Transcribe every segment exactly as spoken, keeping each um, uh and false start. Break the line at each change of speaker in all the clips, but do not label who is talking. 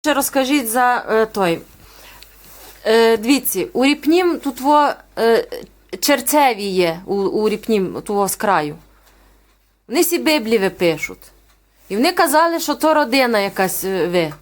Ще розкажіть за е, той. Е, дивіться, у Ріпнім тут во, е, черцеві є, у, у Ріпнім, того з краю. Вони всі Біблії пишуть. І вони казали, що то родина якась е, ви.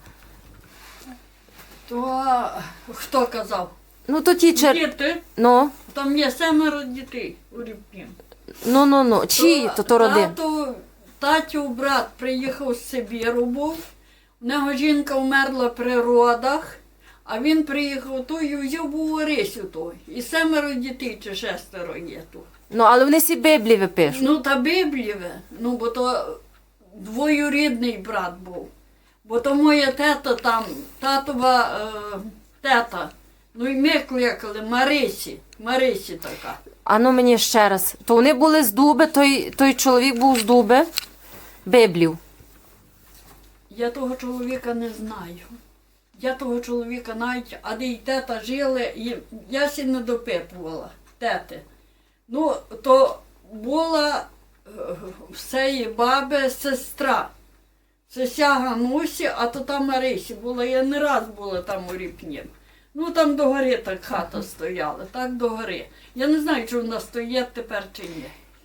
То хто казав?
Ну, то ті чер...
Діти.
Ну,
Там є семеро дітей у Рівні.
ну, ну, ну. Чиї то, то родина?
Тато, татів брат приїхав з Сибіру був. У нього жінка вмерла при родах, а він приїхав той і взяв був Орисю той. І семеро дітей чи шестеро є тут.
Ну, але вони всі Біблії пишуть.
Ну, та Біблієве, ну, бо то двоюрідний брат був. Бо то моя тета там, татова е, тета. Ну і ми кликали Марисі, Марисі така.
А ну мені ще раз. То вони були з Дуби, той, той чоловік був з Дуби, Біблів.
Я того чоловіка не знаю. Я того чоловіка навіть, а де й тета жили, і я сі не допитувала, тети. Ну, то була е, всеї баби сестра. Сеся Ганусі, а то там Марисі була. Я не раз була там у Ріпні. Ну, там до гори так хата стояла, так до гори. Я не знаю, чи вона стоїть тепер чи ні.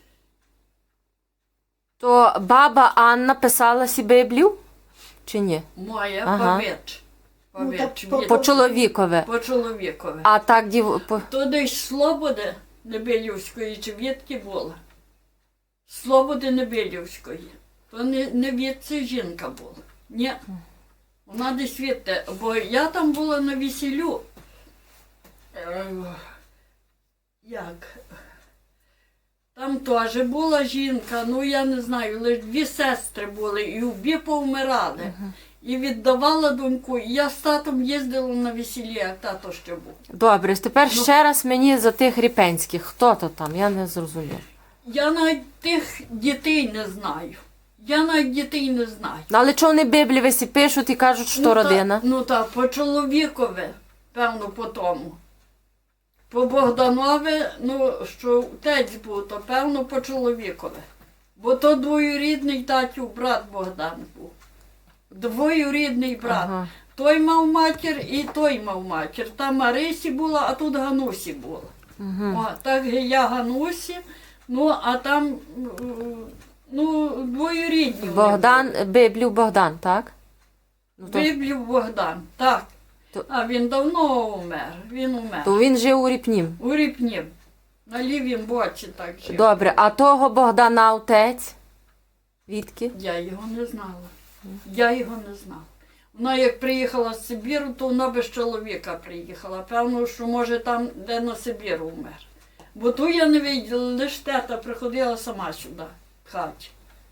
То баба Анна писала сі Біблію? Чи ні?
Моя
Ага.
павич.
Ну,
Павич.
так по-
від-
По чоловікове.
по чоловікові.
А так дів... По...
То десь Слободи Небелівської чи відки була? Слободи Небелівської. То не, не відці жінка була. Ні. Вона десь відти. Бо я там була на весіллю. Е, Як? Там теж була жінка, ну я не знаю, лише дві сестри були, і обі повмирали. І віддавала доньку. І я з татом їздила на весілля, як тато ще був.
Добре, тепер
Ну.
ще раз мені за тих ріпенських. Хто то там? Я не зрозуміла.
Я навіть тих дітей не знаю. Я навіть дітей не знаю.
Ну, але чого вони Біблії весі пишуть і кажуть, що
Ну, та-
родина?
Ну так, по чоловікові, певно, по тому. По Богданові, ну, що отець був, то певно по чоловікові. Бо то двоюрідний татів брат Богдан був. Двоюрідний брат.
Ага.
Той мав матір і той мав матір. Там Марисі була, а тут Ганусі була.
Угу.
О, так я Ганусі, ну, а там, м, ну, двоюрідні. вони
Богдан, Біблів Богдан, так? Ну, то,
Біблів Богдан, так.
То-
А він давно умер, він умер.
то він жив у Ріпнім.
У Ріпні, на лівім боці так жив.
Добре, а того Богдана отець? Відки?
Я його не знала. Я його не знала. Вона як приїхала з Сибіру, то вона без чоловіка приїхала. Певно, що може там, де на Сибіру умер. Бо ту я не виділа, лише тета приходила сама сюди, в хаті.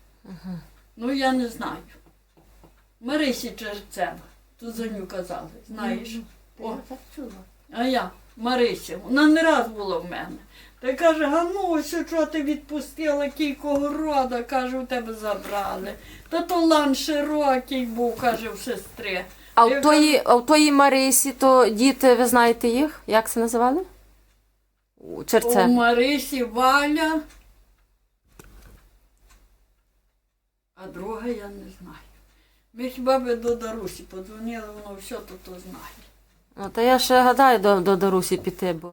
Ну я не знаю. Марисі Черцева, тут за ню казали, знаєш. О,
Я так чула.
а я, Марися, вона не раз була в мене. Та каже, Ганусю, що ти відпустила кілького рода, каже, у тебе забрали. Та то лан широкий був, каже, в сестри.
А
Я
в тої, а в тої Марисі, то діти, ви знаєте їх? Як це називали? У
У
Черце.
Марисі Валя, а друга я не знаю. Ми хіба би до Дарусі подзвонили, воно все тут знає.
Ну, та я ще гадаю до, до Дарусі піти, бо...